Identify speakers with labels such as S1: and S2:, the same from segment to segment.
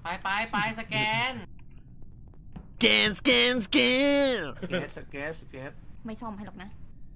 S1: ไปสแกน
S2: สแกน
S1: สเกต
S3: ไม่ซ่อมให้หรอกนะ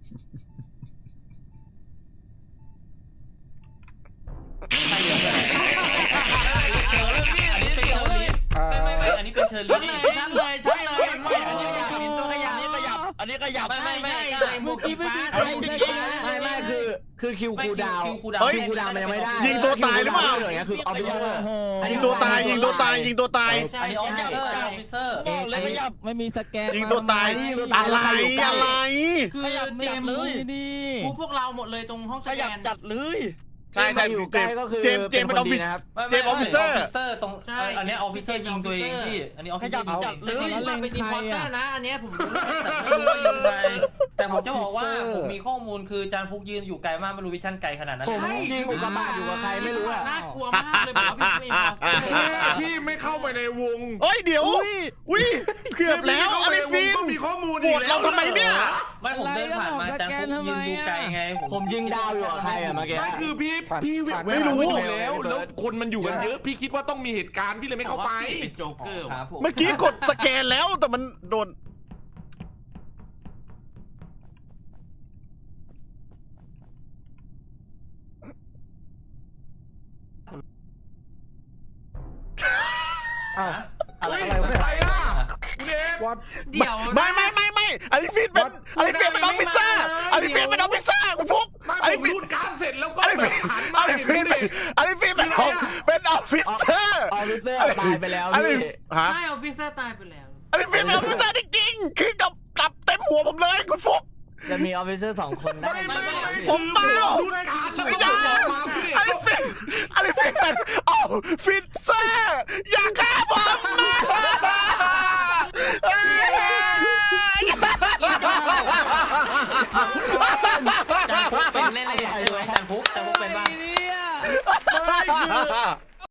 S4: ไม่อันนี้เป็นเชิญเลย
S1: ชัดเลยไม่อันนี้เป็นตัวขยับ
S4: อันนี้ขยับ
S1: ไม่ใช่หมวกสีฟ้า
S5: ไม่คือคิวคูดาวมันยังไม่ได้
S2: ยิงตัวตายหรือเปล่า
S5: คือออฟฟิเซอร์
S2: ยิงตัวตาย
S4: อันนี้ออฟฟิเซอร์
S5: เลยขยับไม่มีสแกน
S2: ยิงตัวตายอะไร
S1: คือเตรียมเลยพวกเราหมดเลยตรงห้องสแกน
S4: จัดเลย
S2: ใช่เจมเป็นออฟฟิศเจมออฟฟิเซอร์
S4: ตรงอันนี้ออฟฟิเซอร์ยิงตัวเองที่อันนี้ออฟฟิเซอร์ยิงจัดเลย
S1: ว่าเป็นทีมพอร์เตอร์นะอันนี้ผมรู้
S4: แต่ผมจะบอกว่าผมมีข้อมูลคือจานพุกยืนอยู่ไกลมากไม่รู้วิชั่นไกลขนาดนั้น
S5: ผมยิงอุกกาบาตอยู่กับใครไม่รู้
S1: น่ากลัวมากเลยบอกว่า
S6: พี่ไม่เข้าไปในวง
S2: เฮ้ยเดี๋ยวเกือบแล้วอลิฟิน
S6: มีข้อมูล
S2: โหวตเราทำไมเนี่ย
S4: ไม่ผมเดินผ่านมาจานพุกยืนดูไกลไง
S5: ผมยิงดาวอยู่กับใครอะเมื่อกี้
S6: ไม่คือพี่ไม่รู้แล้วคนมันอยู่กันเยอะพี่คิดว่าต้องมีเหตุการณ์พี่เลยไม่เข้าไป
S1: เป็นโจ๊กเกอร์
S2: เมื่อกี้กดสแกนแล้วแต่มันโดน
S6: อะไรไม่ล่ะเ
S1: ดี๋ยว
S2: ไม่อลิฟินเป็นออฟฟิเซอร์คุณฟุ๊ก
S6: อลิฟินการเสร็จแล้วก็หันมา
S2: อลิฟินเป็นออฟฟิเซอร์
S5: ตายไปแล้ว
S1: ใช่ออฟฟิเซอร์ตายไปแล้ว
S2: อลิฟินเป็นออฟฟิเซอร์จริงๆคือกับเต็มหัวผมเลยคุณฟุ๊ก
S5: จะมีออฟฟิเซอร์2 คนได้
S2: ผมเปล่าไม่ได้อลิฟินเป็นออฟฟิเซอร์อย่าฆ่าผมนะ
S4: เป็นแน่ๆใช่ไหมจานพุกเป็นบ้าง